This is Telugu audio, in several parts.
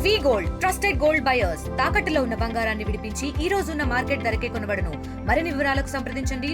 గోల్డ్ ట్రస్టెడ్ గోల్డ్ బయర్స్ తాకట్టులో ఉన్న బంగారాన్ని విడిపించి ఈ రోజు ఉన్న మార్కెట్ ధరకే కొనబడును. మరిన్ని వివరాలకు సంప్రదించండి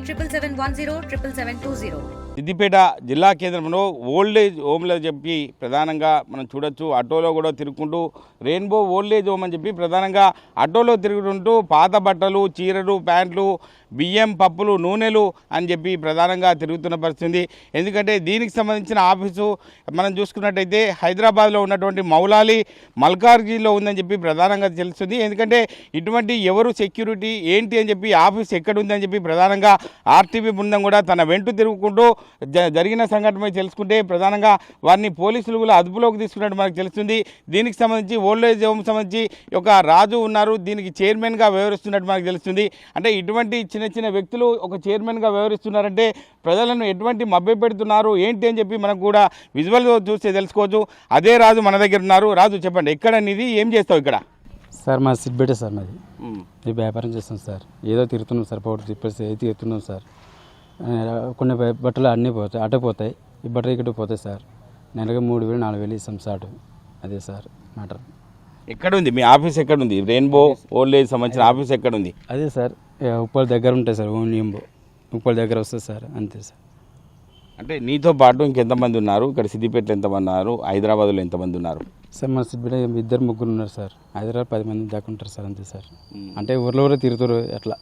77107720. సిద్దిపేట జిల్లా కేంద్రంలో ఓల్డేజ్ హోమ్లో చెప్పి ప్రధానంగా మనం చూడొచ్చు. ఆటోలో కూడా తిరుగుకుంటూ రెయిన్బో ఓల్డేజ్ హోమ్ అని చెప్పి ప్రధానంగా ఆటోలో తిరుగుతుంటూ పాత బట్టలు, చీరలు, ప్యాంట్లు, బియ్యం, పప్పులు, నూనెలు అని చెప్పి ప్రధానంగా తిరుగుతున్న పరిస్థితి. ఎందుకంటే దీనికి సంబంధించిన ఆఫీసు మనం చూసుకున్నట్టయితే హైదరాబాద్లో ఉన్నటువంటి మౌలాలి మల్కార్గిలో ఉందని చెప్పి ప్రధానంగా తెలుస్తుంది. ఎందుకంటే ఇటువంటి ఎవరు సెక్యూరిటీ ఏంటి అని చెప్పి ఆఫీస్ ఎక్కడ ఉందని చెప్పి ప్రధానంగా ఆర్టీబీ బృందం కూడా తన వెంట తిరుగుకుంటూ జరిగిన సంఘటనపై తెలుసుకుంటే ప్రధానంగా వారిని పోలీసులు కూడా అదుపులోకి తీసుకున్నట్టు మనకు తెలుస్తుంది. దీనికి సంబంధించి ఓల్డేజ్ హోమ్ సంబంధించి ఒక రాజు ఉన్నారు, దీనికి చైర్మన్గా వ్యవహరిస్తున్నట్టు మనకు తెలుస్తుంది. అంటే ఇటువంటి చిన్న చిన్న వ్యక్తులు ఒక చైర్మన్గా వ్యవహరిస్తున్నారంటే ప్రజలను ఎటువంటి మభ్యపెడుతున్నారు ఏంటి అని చెప్పి మనకు కూడా విజువల్ చూస్తే తెలుసుకోవచ్చు. అదే రాజు మన దగ్గర ఉన్నారు. రాజు చెప్పండి, ఎక్కడ నీది, ఏం చేస్తావు ఇక్కడ? సార్ మా సిద్దిపేట సార్ మాది. ఇది వ్యాపారం చేస్తాం సార్. ఏదో తిరుగుతున్నాం సార్, పౌడర్ తిప్పేసి ఏది తిరుగుతున్నాం సార్. కొన్ని బట్టలు అన్నీ పోతాయి, అటు పోతాయి, ఈ బట్టలు ఇక్కడ పోతాయి సార్. నెలగా 3000 4000 ఇస్తాం సార్. అదే సార్ మ్యాటర్. ఎక్కడ ఉంది మీ ఆఫీస్? ఎక్కడ ఉంది రెయిన్బో ఓల్డేజ్ సంబంధించిన ఆఫీస్ ఎక్కడ ఉంది? అదే సార్ ఉప్పల్ దగ్గర ఉంటాయి సార్. ఓన్లీ ఉప్పల్ దగ్గర వస్తుంది సార్, అంతే సార్. అంటే నీతో పాటు ఇంకెంతమంది ఉన్నారు? ఇక్కడ సిద్దిపేటలో ఎంతమంది ఉన్నారు? హైదరాబాద్లో ఎంతమంది ఉన్నారు? సార్ మా సిద్దిపేట 2 ఉన్నారు సార్. హైదరాబాద్ 10 మంది దాకా ఉంటారు సార్, అంతే సార్. అంటే ఊర్లో తిరుగుతారు ఎట్లా.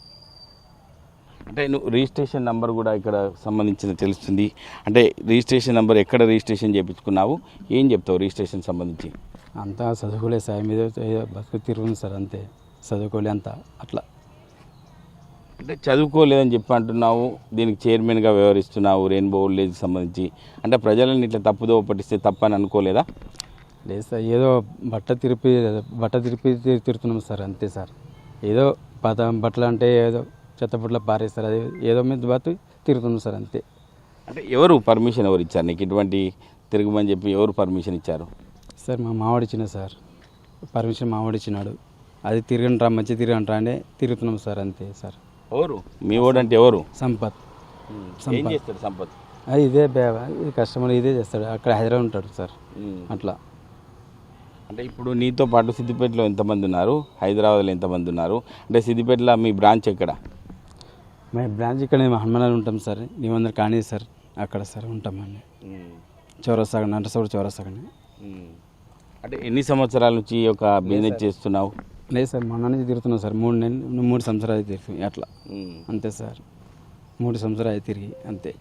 అంటే నువ్వు రిజిస్ట్రేషన్ నెంబర్ కూడా ఇక్కడ సంబంధించిన తెలుస్తుంది. అంటే రిజిస్ట్రేషన్ నెంబర్ ఎక్కడ రిజిస్ట్రేషన్ చేయించుకున్నావు, ఏం చెప్తావు రిజిస్ట్రేషన్ సంబంధించి? అంతా చదువుకోలే సార్, మీద బతుకు తిరుగుతుంది సార్, అంతే. చదువుకోలే అంతా అట్లా. అంటే చదువుకోలేదని చెప్పి అంటున్నావు, దీనికి చైర్మన్గా వ్యవహరిస్తున్నావు రెయిన్బో ఓల్డేజ్కి సంబంధించి. అంటే ప్రజలను ఇట్లా తప్పుదో పట్టిస్తే తప్పని అనుకోలేదా? లేదు సార్, ఏదో బట్ట తిరిపి తిరుగుతున్నాం సార్, అంతే సార్. ఏదో పాత బట్టలు అంటే ఏదో చెత్త బట్టలు పారేస్తారు, అది ఏదో మీద బతు తిరుగుతున్నాం సార్, అంతే. అంటే ఎవరు పర్మిషన్ ఎవరు ఇచ్చారు నీకు ఇటువంటి తిరగమని చెప్పి? ఎవరు పర్మిషన్ ఇచ్చారు? సార్ మా మావాడు ఇచ్చిన సార్, పర్మిషన్ మావాడు ఇచ్చినాడు. అది తిరగండి రా, మంచి తిరగండి రా అంటే తిరుగుతున్నాం సార్, అంతే సార్. ఎవరు మీ వాడు? అంటే ఎవరు? సంపత్. ఏం చేస్తాడు సంపత్? అది ఇదే ఇది కస్టమర్ ఇదే చేస్తాడు, అక్కడ హైదరాబాద్ ఉంటాడు సార్, అట్లా. అంటే ఇప్పుడు నీతో పాటు సిద్దిపేటలో ఎంతమంది ఉన్నారు, హైదరాబాద్లో ఎంతమంది ఉన్నారు? అంటే సిద్దిపేటలో మీ బ్రాంచ్ ఎక్కడ? మా బ్రాంచ్ ఇక్కడ హనుమానాలు ఉంటాం సార్, 900 కానీ సార్, అక్కడ సార్ ఉంటామండి. చౌరస్తాగా నరసూరు చౌరస్తాగానే. అంటే ఎన్ని సంవత్సరాల నుంచి ఒక బిజినెస్ చేస్తున్నావు? లేదు సార్, మొన్న నుంచి తిరుగుతున్నాం సార్. 3 సంవత్సరాలు తిరిగి అట్లా, అంతే సార్. 3 సంవత్సరాలు తిరిగి, అంతే.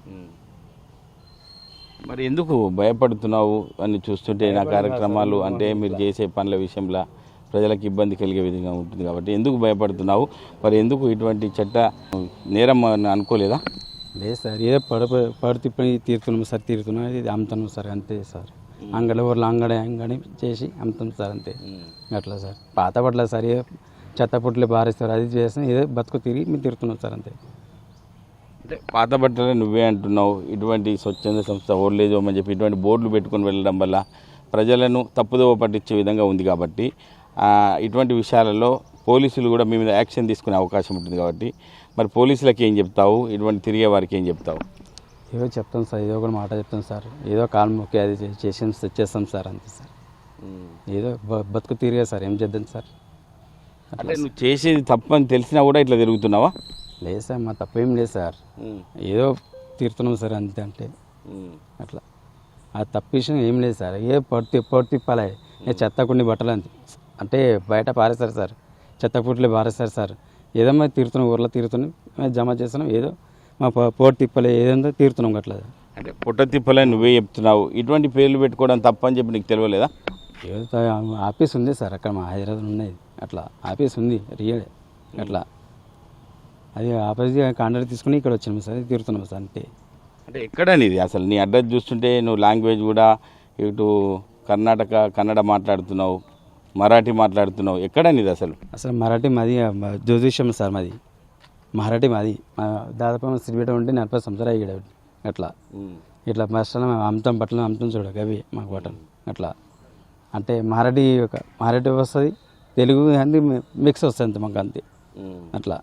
మరి ఎందుకు భయపడుతున్నావు అని చూస్తుంటే నా కార్యక్రమాలు అంటే మీరు చేసే పనుల విషయంలో ప్రజలకు ఇబ్బంది కలిగే విధంగా ఉంటుంది కాబట్టి ఎందుకు భయపడుతున్నావు? మరి ఎందుకు ఇటువంటి చట్ట నేరం అని అనుకోలేదా? లేదు సార్, ఏదో తిప్పని తీరుతున్నాం సార్, తీరుతున్నాం, ఇది అమ్ముతున్నాం సార్, అంతే సార్. అంగడి ఊర్లో అంగడి చేసి అమ్ముతాం సార్, అంతే. అట్లా సార్. పాత పట్ల సార్ ఏదో చెత్త పుట్లు బారేస్తారు, అది చేస్తాం, ఏదో బతుకు తిరిగి మేము తిరుగుతున్నాం సార్, అంతే. అంటే పాత బట్టలే నువ్వే అంటున్నావు. ఇటువంటి స్వచ్ఛంద సంస్థ ఓల్డేజ్ హోమ్ అని చెప్పి ఇటువంటి బోర్డులు పెట్టుకొని వెళ్ళడం వల్ల ప్రజలను తప్పుదోవ పట్టించే విధంగా ఉంది కాబట్టి ఇటువంటి విషయాలలో పోలీసులు కూడా మీ మీద యాక్షన్ తీసుకునే అవకాశం ఉంటుంది కాబట్టి మరి పోలీసులకి ఏం చెప్తావు? ఇటువంటి తిరిగే వారికి ఏం చెప్తావు? ఏదో చెప్తాం సార్, ఏదో ఒక మాట చెప్తాం సార్. ఏదో కాలు మొక్కి అది చేస్తాం సార్, అంతే సార్. ఏదో బతుకు తిరిగే సార్, ఏం చేద్దాం సార్. అంటే నువ్వు చేసేది తప్పని తెలిసినా కూడా ఇట్లా తిరుగుతున్నావా? లేదు సార్, మా తప్పేం లేదు సార్, ఏదో తీరుతున్నాం సార్, అంతే. అంటే అట్లా ఆ తప్పు విషయం ఏం లేదు సార్. ఏ పొడి తిప్పాలి, చెత్త కొన్ని బట్టలు అంతే. అంటే బయట పారేస్తారు సార్, చెత్త పుట్లు పారేస్తారు సార్. ఏదో మేము తీరుతున్నాం, ఊర్లో తీరుతున్నాం, మేము జమ చేస్తున్నాం, ఏదో మా పోటీ తిప్పలే ఏదో తీరుతున్నాం అట్లా. అంటే పుట్ట తిప్పలే నువ్వే చెప్తున్నావు. ఇటువంటి పేర్లు పెట్టుకోవడం తప్పని చెప్పి నీకు తెలియలేదా? ఏదో ఆఫీస్ ఉంది సార్ అక్కడ, మా హైదరాబాద్ ఉన్నది అట్లా ఆఫీస్ ఉంది రియల్ అట్లా. అది ఆఫీస్ కాంట్రాక్ట్ తీసుకుని ఇక్కడ వచ్చినాం సార్, తీరుతున్నాం సార్, అంతే. అంటే ఎక్కడ నీది అసలు? నీ అడ్రస్ చూస్తుంటే నువ్వు లాంగ్వేజ్ కూడా ఇటు కన్నడ మాట్లాడుతున్నావు, మరాఠీ మాట్లాడుతున్నావు. ఎక్కడ నీది అసలు? మరాఠీ మాది జ్యోతిష్యం సార్, మాది మరాఠీ మాది. దాదాపు సిద్దిపేట ఉంటే 40 సంవత్సరాలు అయ్యాడు అట్లా. ఇట్లా ఫస్ట్ అమ్ముతాం బట్టలు అమ్ముతాం చూడ అవి మాకు బట్టలు అట్లా. అంటే మరాఠీ వస్తుంది, తెలుగు హిందీ మిక్స్ వస్తుంది అంతే మాకు, అంతే అట్లా.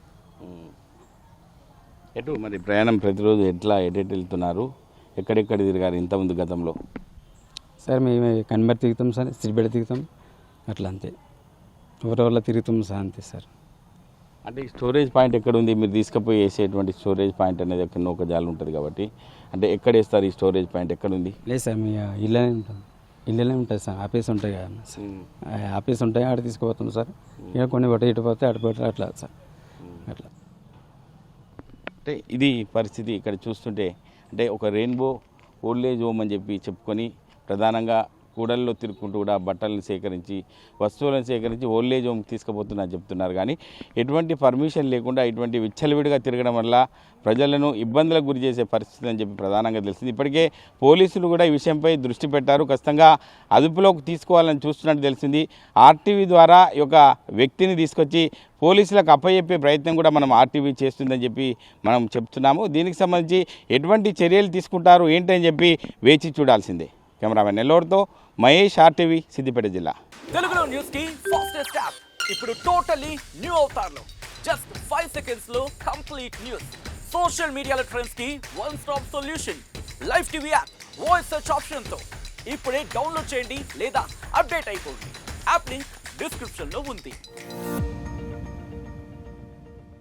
ఎటు మరి ప్రయాణం ప్రతిరోజు ఎట్లా ఎటు వెళ్తున్నారు? ఎక్కడెక్కడ తిరిగారు ఇంతకుముందు గతంలో? సార్ మేము కన్బర్ తిరుగుతాం సార్, సిద్దిపేట తిరుగుతాం, అట్లా అంతే ఎవరి వల్ల తిరుగుతాం సార్ అంతే సార్. అంటే ఈ స్టోరేజ్ పాయింట్ ఎక్కడ ఉంది, మీరు తీసుకుపోయి వేసేటువంటి స్టోరేజ్ పాయింట్ అనేది ఎక్కడ ఒక జాలు ఉంటుంది కాబట్టి అంటే ఎక్కడ వేస్తారు ఈ స్టోరేజ్ పాయింట్ ఎక్కడ ఉంది? లేదు సార్ మీ ఇళ్ళనే ఉంటుంది, ఇళ్ళనే ఉంటుంది సార్. ఆఫీస్ ఉంటాయి కదా సార్, ఆఫీస్ ఉంటాయి ఆడ తీసుకుపోతాం సార్. ఇక కొన్ని బట్టి ఇటు పోతే అటు పోతే అట్లా సార్ అట్లా. అంటే ఇది పరిస్థితి ఇక్కడ చూస్తుంటే. అంటే ఒక రెయిన్బో ఓల్డేజ్ హోమ్ అని చెప్పి చెప్పుకొని ప్రధానంగా కూడల్లో తిరుగుకుంటూ కూడా బట్టలను సేకరించి వస్తువులను సేకరించి ఓల్డేజ్ హోమ్ తీసుకుపోతున్నారు చెప్తున్నారు. కానీ ఎటువంటి పర్మిషన్ లేకుండా ఇటువంటి విచ్చలవిడిగా తిరగడం వల్ల ప్రజలను ఇబ్బందులకు గురి చేసే పరిస్థితి అని చెప్పి ప్రధానంగా తెలిసింది. ఇప్పటికే పోలీసులు కూడా ఈ విషయంపై దృష్టి పెట్టారు, ఖచ్చితంగా అదుపులోకి తీసుకోవాలని చూస్తున్నట్టు తెలిసింది. ఆర్టీవీ ద్వారా ఈ యొక్క వ్యక్తిని తీసుకొచ్చి పోలీసులకు అప్పచెప్పే ప్రయత్నం కూడా మనం ఆర్టీవీ చేస్తుందని చెప్పి మనం చెప్తున్నాము. దీనికి సంబంధించి ఎటువంటి చర్యలు తీసుకుంటారు ఏంటని చెప్పి వేచి చూడాల్సిందే. కెమెరామెన్ నెల్లూరుతో మహేష్, ఆర్టీవీ, సిద్దిపేట జిల్లా. తెలుగులో న్యూస్ కి ఫాస్టెస్ట్ యాప్ ఇప్పుడు టోటలీ న్యూ అవతార్లో జస్ట్ 5 seconds లో కంప్లీట్ న్యూస్. సోషల్ మీడియాలో ట్రెండ్స్ కి one stop solution. Live TV app voice search option తో ఇప్పుడే డౌన్లోడ్ చేయండి లేదా అప్డేట్ అయిపోండి. యాప్ లింక్ డిస్క్రిప్షన్ లో ఉంది.